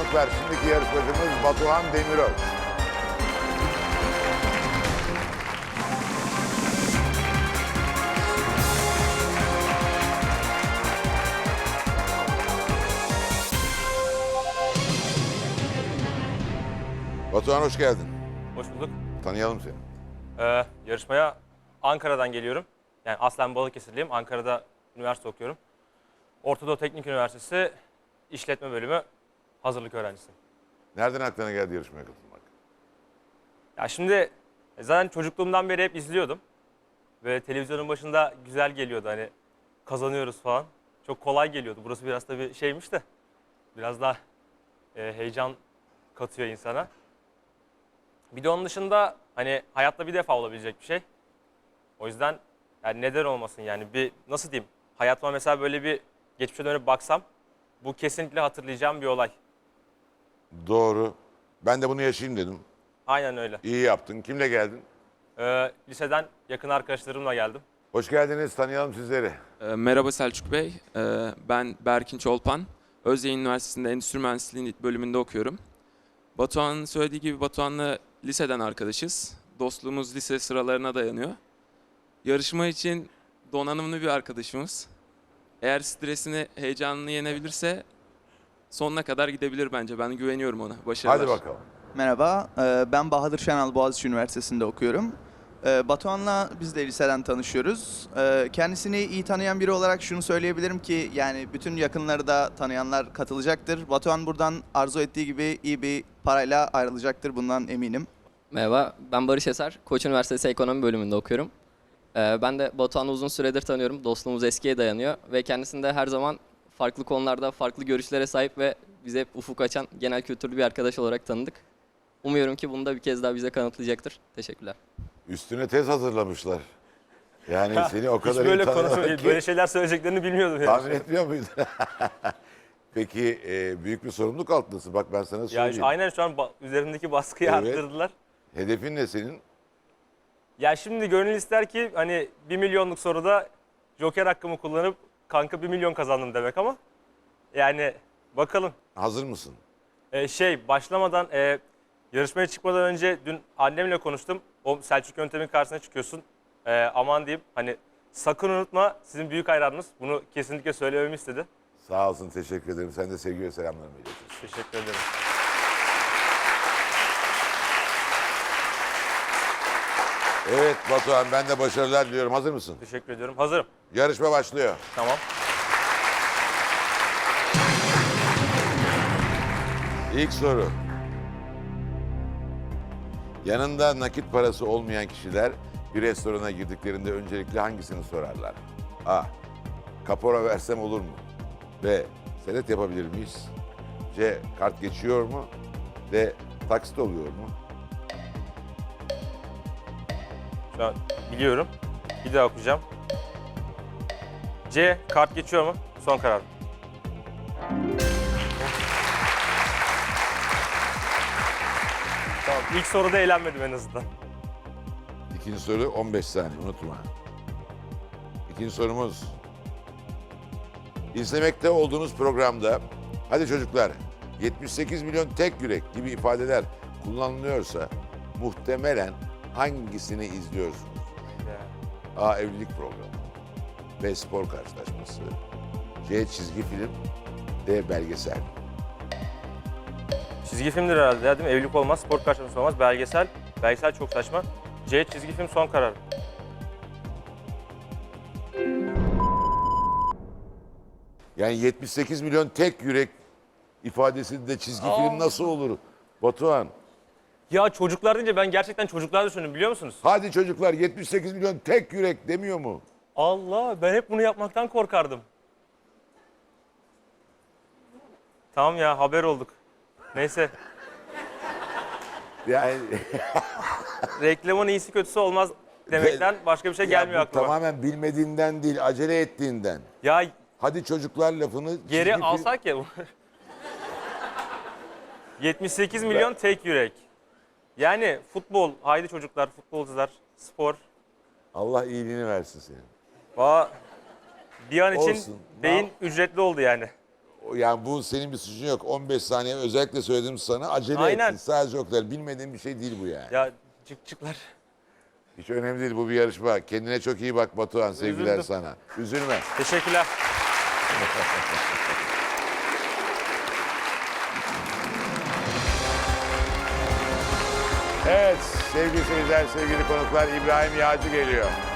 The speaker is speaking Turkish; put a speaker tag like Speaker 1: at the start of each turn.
Speaker 1: çocuklar, şimdiki yarışmacımız Batuhan Demiröz. Batuhan hoş geldin.
Speaker 2: Hoş bulduk.
Speaker 1: Tanıyalım seni.
Speaker 2: Yarışmaya Ankara'dan geliyorum. Yani aslen Balıkesirliyim. Ankara'da üniversite okuyorum. Orta Doğu Teknik Üniversitesi İşletme Bölümü hazırlık öğrencisiyim.
Speaker 1: Nereden aklına geldi yarışmaya katılmak?
Speaker 2: Ya şimdi zaten çocukluğumdan beri hep izliyordum. Ve televizyonun başında güzel geliyordu hani kazanıyoruz falan. Çok kolay geliyordu. Burası biraz tabii şeymiş de biraz daha heyecan katıyor insana. Bir de onun dışında hani hayatta bir defa olabilecek bir şey. O yüzden yani neden olmasın yani bir nasıl diyeyim hayatıma mesela böyle bir geçmişe dönüp baksam bu kesinlikle hatırlayacağım bir olay.
Speaker 1: Doğru. Ben de bunu yaşayayım dedim.
Speaker 2: Aynen öyle.
Speaker 1: İyi yaptın. Kimle geldin?
Speaker 2: Liseden yakın arkadaşlarımla geldim.
Speaker 1: Hoş geldiniz. Tanıyalım sizleri.
Speaker 3: Merhaba Selçuk Bey, ben Berkin Çolpan. Özyeğin Üniversitesi'nde Endüstri Mühendisliği bölümünde okuyorum. Batuhan'ın söylediği gibi Batuhan'la liseden arkadaşız. Dostluğumuz lise sıralarına dayanıyor. Yarışma için donanımlı bir arkadaşımız. Eğer stresini, heyecanını yenebilirse sonuna kadar gidebilir bence. Ben güveniyorum ona. Başarılar.
Speaker 1: Hadi bakalım.
Speaker 4: Merhaba, ben Bahadır Şenal Boğaziçi Üniversitesi'nde okuyorum. Batuhan'la biz de liseden tanışıyoruz. Kendisini iyi tanıyan biri olarak şunu söyleyebilirim ki yani bütün yakınları da tanıyanlar katılacaktır. Batuhan buradan arzu ettiği gibi iyi bir parayla ayrılacaktır, bundan eminim.
Speaker 5: Merhaba, ben Barış Eser. Koç Üniversitesi Ekonomi bölümünde okuyorum. Ben de Batuhan'ı uzun süredir tanıyorum. Dostluğumuz eskiye dayanıyor ve kendisinde her zaman farklı konularda farklı görüşlere sahip ve bize hep ufuk açan genel kültürlü bir arkadaş olarak tanıdık. Umuyorum ki bunu da bir kez daha bize kanıtlayacaktır. Teşekkürler.
Speaker 1: Üstüne tez hazırlamışlar. Yani seni o
Speaker 2: Hiç
Speaker 1: kadar
Speaker 2: böyle
Speaker 1: iyi tanımak
Speaker 2: konu
Speaker 1: ki
Speaker 2: böyle şeyler söyleyeceklerini bilmiyordum.
Speaker 1: tahmin etmiyor muydun? Peki büyük bir sorumluluk altındasın. Bak ben sana
Speaker 2: Ya
Speaker 1: söyleyeyim.
Speaker 2: aynen şu an üzerimdeki baskıyı
Speaker 1: Evet.
Speaker 2: arttırdılar.
Speaker 1: Hedefin ne senin?
Speaker 2: Ya şimdi gönül ister ki hani 1 milyonluk soruda Joker hakkımı kullanıp kanka 1 milyon kazandım demek ama yani bakalım.
Speaker 1: Hazır mısın?
Speaker 2: Başlamadan yarışmaya çıkmadan önce dün annemle konuştum. O Selçuk Yöntem'in karşısına çıkıyorsun. Aman diyeyim hani sakın unutma sizin büyük hayranınız. Bunu kesinlikle söylememi istedi.
Speaker 1: Sağ olsun, teşekkür ederim. Sen de sevgi ve selamlarımı iletirsin.
Speaker 2: Teşekkür ederim.
Speaker 1: Evet Batuhan, ben de başarılar diliyorum. Hazır mısın?
Speaker 2: Teşekkür ediyorum. Hazırım.
Speaker 1: Yarışma başlıyor.
Speaker 2: Tamam.
Speaker 1: İlk soru. Yanında nakit parası olmayan kişiler bir restorana girdiklerinde öncelikle hangisini sorarlar? A. Kapora versem olur mu? B. Senet yapabilir miyiz? C. Kart geçiyor mu? D. Taksit oluyor mu?
Speaker 2: Şu an biliyorum. Bir daha okuyacağım. C. Kart geçiyor mu? Son karar. Tamam. İlk soruda eğlenmedim en azından.
Speaker 1: İkinci soru 15 saniye, unutma. İkinci sorumuz. İzlemekte olduğunuz programda, hadi çocuklar, 78 milyon tek yürek gibi ifadeler kullanılıyorsa muhtemelen hangisini izliyorsunuz? A. Evlilik programı. B. Spor karşılaşması. C. Çizgi film. D. Belgesel.
Speaker 2: Çizgi filmdir herhalde ya, değil mi? Evlilik olmaz, spor karşılaşması olmaz, belgesel. Belgesel çok saçma. C. Çizgi film son karar.
Speaker 1: Yani 78 milyon tek yürek ifadesinde çizgi film nasıl olur? Batuhan.
Speaker 2: Ya çocuklar deyince ben gerçekten çocuklar düşündüm biliyor musunuz?
Speaker 1: Hadi çocuklar, 78 milyon tek yürek demiyor mu?
Speaker 2: Allah, ben hep bunu yapmaktan korkardım. Tamam ya, haber olduk. Neyse,
Speaker 1: Yani
Speaker 2: reklamın iyisi kötüsü olmaz demekten başka bir şey
Speaker 1: ya
Speaker 2: gelmiyor
Speaker 1: bu
Speaker 2: aklıma.
Speaker 1: tamamen bilmediğinden değil, acele ettiğinden.
Speaker 2: Ya
Speaker 1: Hadi çocuklar lafını
Speaker 2: geri
Speaker 1: çizgi film-
Speaker 2: alsak ya. 78 milyon tek yürek. Yani futbol, haydi çocuklar, futbolcular, spor.
Speaker 1: Allah iyiliğini versin senin.
Speaker 2: Bir an için
Speaker 1: Olsun.
Speaker 2: beyin ücretli oldu yani.
Speaker 1: yani bu senin bir suçun yok. 15 saniye özellikle söyledim sana. Acele
Speaker 2: Aynen.
Speaker 1: ettin. Sadece o kadar. Bilmediğin bir şey değil bu yani.
Speaker 2: Ya çıklar.
Speaker 1: Hiç önemli değil, bu bir yarışma. Kendine çok iyi bak Batuhan. Sevgiler
Speaker 2: Üzüldüm.
Speaker 1: sana. Üzülme.
Speaker 2: Teşekkürler.
Speaker 1: Evet sevgili seyirciler, sevgili konuklar, İbrahim Yağcı geliyor.